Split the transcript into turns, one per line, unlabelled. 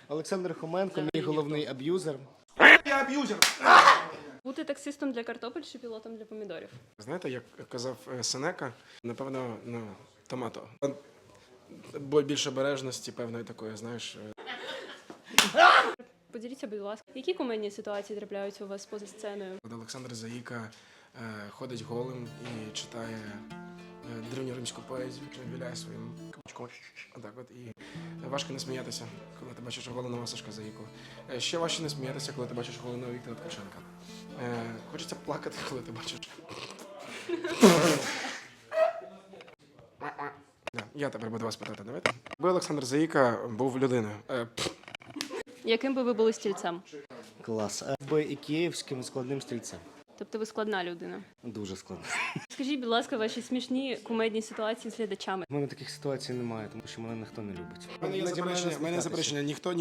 Олександр Хоменко, мій головний аб'юзер.
Я аб'юзер!
Бути таксистом для картопель чи пілотом для помідорів?
Знаєте, як казав Сенека, напевно, томато. Бо більше обережності, певної такої, знаєш.
Поділіться, будь ласка, які кумедні ситуації трапляються у вас поза сценою?
Коли Олександр Заїка ходить голим і читає древньоримську поезію, віляє своїм кабачком. Отак от. І важко не сміятися, коли ти бачиш голеного Сашка Заїку. Ще важче не сміятися, коли ти бачиш голеного Віктора Ткаченка. Хочеться плакати, коли ти бачиш. Я тепер буду вас питати, давайте. Якби Олександр Заїка був людиною.
Яким би ви були стільцем?
Клас. Би і київським складним стрільцем.
Тобто ви складна людина.
Дуже складно.
Скажіть, будь ласка, ваші смішні кумедні ситуації з глядачами.
У мене таких ситуацій немає, тому що мене ніхто не любить.
У мене є заперечення, ніхто